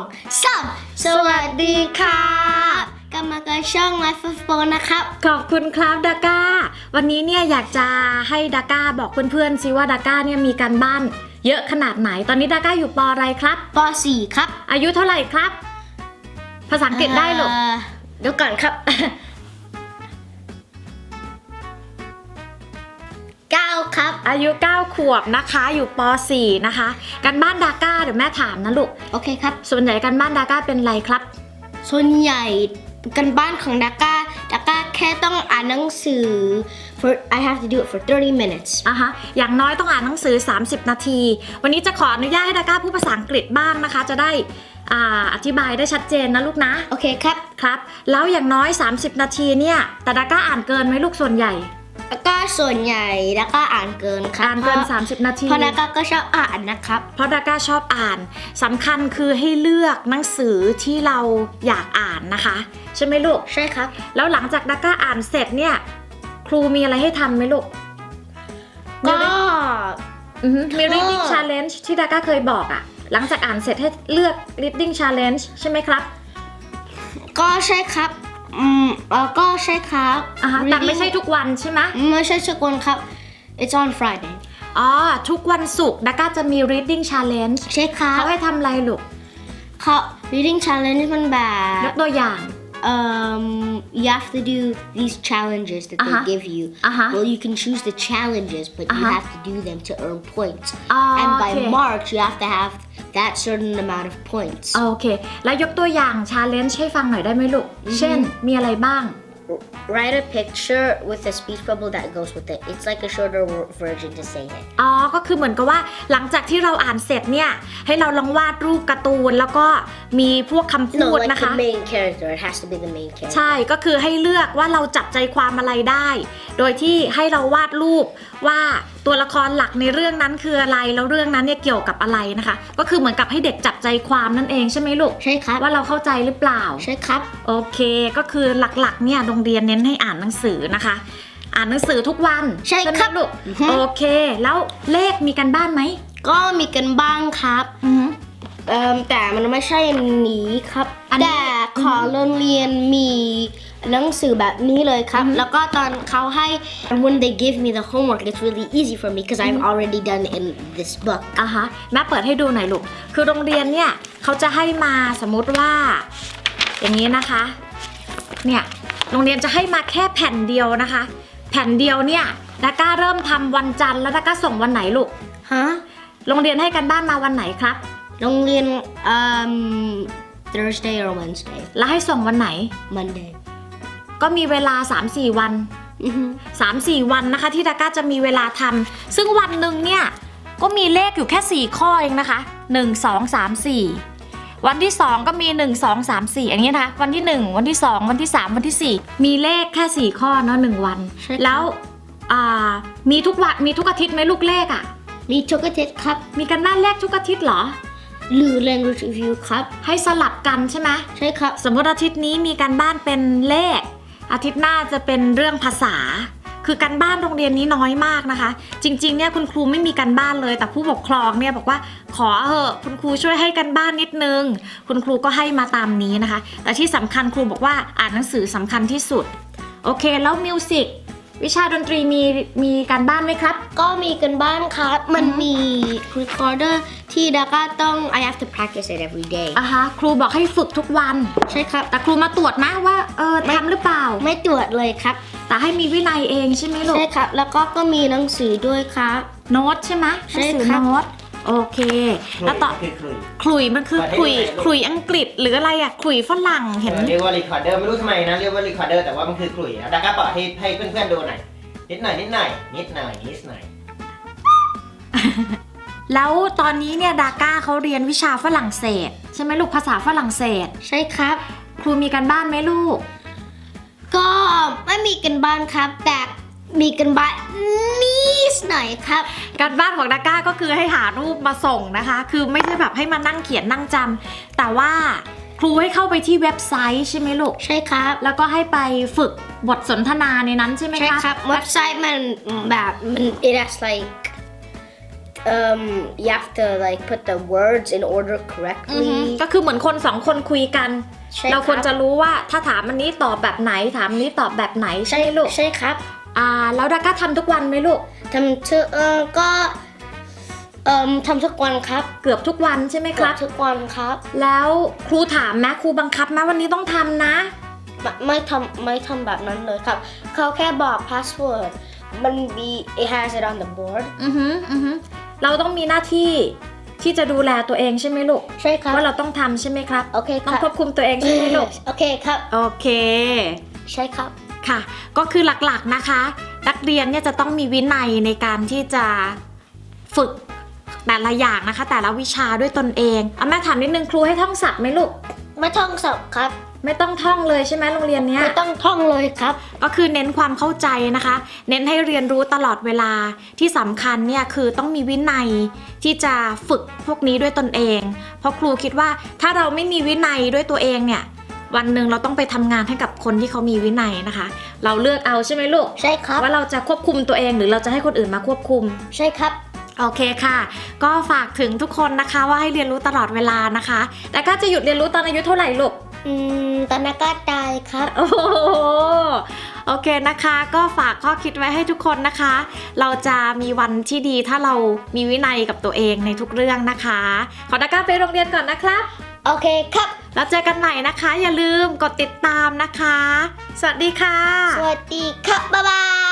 3 สวัสดีครับกลับมากับช่อง Life of Bo นะครับขอบคุณครับดาก้าวันนี้เนี่ยอยากจะให้ดาก้าบอกเพื่อนๆซิว่าดาก้าเนี่ยมีการบ้านเยอะขนาดไหนตอนนี้ดาก้าอยู่ป.อะไรครับป.4 ครับอายุเท่าไหร่ครับภาษาอังกฤษได้หรอเดี๋ยวก่อนครับ 9 ครับอายุ9 ขวบนะคะอยู่ป.4 นะคะการบ้านดาก้าเดี๋ยวแม่ถามนะลูกโอเคครับส่วนใหญ่การบ้านดาก้าเป็นอะไรครับส่วนใหญ่การบ้านของดาก้าแค่ต้องอ่านหนังสือ I have to do it for 30 minutes อย่างน้อยต้องอ่านหนังสือ30 นาทีวันนี้จะขออนุญาตให้ดาก้าพูดภาษาอังกฤษบ้างนะคะจะได้อธิบายได้ชัดเจนนะลูกนะโอเคครับครับแล้วอย่างน้อย30 นาทีเนี่ยแต่ดาก้าอ่านเกินไหมลูกส่วนใหญ่ก็ส่วนใหญ่ดาก้าอ่านเกินครับอ่านเกิน30 นาทีเพราะดาก้าก็ชอบอ่านนะครับเพราะดาก้าชอบอ่านสำคัญคือให้เลือกหนังสือที่เราอยากอ่านนะคะใช่ไหมลูกใช่ครับแล้วหลังจากดาก้าอ่านเสร็จเนี่ยครูมีอะไรให้ทำไหมลูกก็มี reading challenge ที่ดาก้าเคยบอกอะหลังจากอ่านเสร็จให้เลือก reading challenge ใช่ไหมครับก็ใช่ครับก็ใช่ครับแต่ไม่ใช่ทุกวันใช่ไหมไม่ใช่ทุกวันครับ It's on Friday ทุกวันศุกร์ดาก้าจะมี reading challenge ใช่ครับเขาให้ทำอะไรลูกเขา reading challenge มันแบบยกตัวอย่าง you have to do these challenges that they give you well you can choose the challenges but you have to do them to earn points and by March you have to have that certain amount of points โอเคแล้วยกตัวอย่าง challenge ให้ฟังหน่อยได้ไหมลูกเช่นมีอะไรบ้าง Write a picture with a speech bubble that goes with it. It's like a shorter version to say it. ก็คือเหมือนกับว่าหลังจากที่เราอ่านเสร็จเนี่ยให้เราลองวาดรูปการ์ตูนแล้วก็มีพวกคำพูดนะคะ No, like the main character. It has to be the main character. ใช่ก็คือให้เลือกว่าเราจับใจความอะไรได้โดยที่ให้เราวาดรูปว่าตัวละครหลักในเรื่องนั้นคืออะไรแล้วเรื่องนั้นเนี่ยเกี่ยวกับอะไรนะคะก็คือเหมือนกับให้เด็กจับใจความนั่นเองใช่ไหมลูกใช่ครับว่าเราเข้าใจหรือเปล่าใช่ครับโอเคก็คือหลักๆเนี่ยโรงเรียนเน้นให้อ่านหนังสือนะคะอ่านหนังสือทุกวันใช่ครับลูกโอเคแล้วเลขมีกันบ้านไหมก็มีกันบ้างครับแต่มันไม่ใช่อันนี้ครับแต่ขอโรงเรียนมีหนังสือแบบนี้เลยครับแล้วก็ตอนเขาให้ when they give me the homework it's really easy for me because I've already done it in this book แม่เปิดให้ดูหน่อยลูกคือโรงเรียนเนี่ยเขาจะให้มาสมมุติว่าอย่างนี้นะคะเนี่ยโรงเรียนจะให้มาแค่แผ่นเดียวนะคะแผ่นเดียวเนี่ยดาก้าเริ่มทำวันจันทร์แล้วดาก้าส่งวันไหนลูกโรงเรียนให้กันบ้านมาวันไหนครับโรงเรียนThursday or Wednesday แล้วให้ส่งวันไหน Monday ก็มีเวลา 3-4 วัน 3-4 วันนะคะที่ดาก้าจะมีเวลาทำซึ่งวันหนึ่งเนี่ยก็มีเลขอยู่แค่4ข้อเองนะคะ1 2 3 4วันที่2ก็มี1 2 3 4อย่างนี้นะคะวันที่1วันที่2วันที่3วันที่4มีเลขแค่4ข้อเนาะ1วันแล้วมีทุกวันมีทุกอาทิตย์ไหมลูกเลขอ่ะมีทุกอาทิตย์ครับมีกันบ้านเลขทุกอาทิตย์เหรอหรือ language review ครับให้สลับกันใช่ไหมใช่ครับสมมติอาทิตย์นี้มีการบ้านเป็นเลขอาทิตย์หน้าจะเป็นเรื่องภาษาคือการบ้านโรงเรียนนี้น้อยมากนะคะจริงๆเนี่ยคุณครูไม่มีการบ้านเลยแต่ผู้ปกครองเนี่ยบอกว่าขอเถอะคุณครูช่วยให้การบ้านนิดนึงคุณครูก็ให้มาตามนี้นะคะแต่ที่สำคัญครูบอกว่าอ่านหนังสือสำคัญที่สุดโอเคแล้วมิวสิกวิชาดนตรีมีการบ้านไหมครับก็มีกันบ้านครับมันมี recorder ที่ดาก้าต้อง I have to practice it every day ครูบอกให้ฝึกทุกวันใช่ครับแต่ครูมาตรวจนะว่าทำหรือเปล่าไม่ตรวจเลยครับแต่ให้มีวินัยเองใช่ไหมลูกใช่ครับแล้วก็มีหนังสือด้วยครับโน้ตใช่ไหมหนังสือโน้ตโอเคแล้วต่อขลุ่ยมันคือขลุ่ยอังกฤษหรืออะไรอะขลุ่ยฝรั่งเห็นเรียกว่า recorder ไม่รู้ทำไมนะเรียกว่า recorder แต่ว่ามันคือขลุ่ยดาก้าเปิดให้เพื่อนๆดูหน่อยนิดหน่อยแล้วตอนนี้เนี่ยดาก้าเขาเรียนวิชาฝรั่งเศสใช่ไหมลูกภาษาฝรั่งเศสใช่ครับครูมีกันบ้านไหมลูกก็ไม่มีกันบ้านครับแต่มีกันบ้านนิดหน่อยครับการบ้านของดาก้าก็คือให้หารูปมาส่งนะคะคือไม่ใช่แบบให้มานั่งเขียนนั่งจำแต่ว่าครูให้เข้าไปที่เว็บไซต์ใช่ไหมลูกใช่ครับแล้วก็ให้ไปฝึกบทสนทนาในนั้นใช่ไหมคะใช่ครับเว็บไซต์มันแบบมัน it has like you have to like put the words in order อือฮึ correctly ก็คือเหมือนคนสองคนคุยกันใช่เราควรบจะรู้ว่าถ้าถามอันนี้ตอบแบบไหนถามอันนี้ตอบแบบไหนใช่ไหมลูกใช่ครับแล้วดาก้าทำทุกวันไหมลูกทำทุกก็ทำทุกวันครับเกือบทุกวันใช่ไหมครับทุกวันครับแล้วครูถามไหมครูบังคับไหมวันนี้ต้องทำนะไม่ทำแบบนั้นเลยครับ เขาแค่บอก password มันมี it has it on the board อือฮึเราต้องมีหน้าที่ที่จะดูแลตัวเองใช่ไหมลูกใช่ครับว่าเราต้องทำใช่ไหมครับโอเคคต้องรับควบคุมตัวเองใช่ไหมลูกโอเคครับโอเคใช่ครับค่ะ ก็คือหลักๆนะคะ นักเรียนเนี่ยจะต้องมีวินัยในการที่จะฝึกแต่ละอย่างนะคะ แต่ละวิชาด้วยตนเองแม่ถามนิดนึงครูให้ท่องศัพท์ไหมลูกไม่ท่องสับครับไม่ต้องท่องเลยใช่ไหมโรงเรียนเนี้ยไม่ต้องท่องเลยครับก็คือเน้นความเข้าใจนะคะ เน้นให้เรียนรู้ตลอดเวลาที่สำคัญเนี่ยคือต้องมีวินัยที่จะฝึกพวกนี้ด้วยตนเอง เพราะครูคิดว่าถ้าเราไม่มีวินัยด้วยตัวเองเนี่ยวันหนึ่งเราต้องไปทำงานให้กับคนที่เขามีวินัยนะคะ เราเลือกเอาใช่ไหมลูกใช่ครับว่าเราจะควบคุมตัวเองหรือเราจะให้คนอื่นมาควบคุมใช่ครับโอเคค่ะ ก็ฝากถึงทุกคนนะคะว่าให้เรียนรู้ตลอดเวลานะคะ แต่ก็จะหยุดเรียนรู้ตอนอายุเท่าไหร่ลูกตอนนั้นก็ตายครับโอ้โหโอเคนะคะ ก็ฝากข้อคิดไว้ให้ทุกคนนะคะ เราจะมีวันที่ดีถ้าเรามีวินัยกับตัวเองในทุกเรื่องนะคะ ขอดาก้าไปโรงเรียนก่อนนะครับโอเคครับแล้วเจอกันใหม่นะคะ อย่าลืมกดติดตามนะคะ สวัสดีค่ะสวัสดีครับ บ๊ายบาย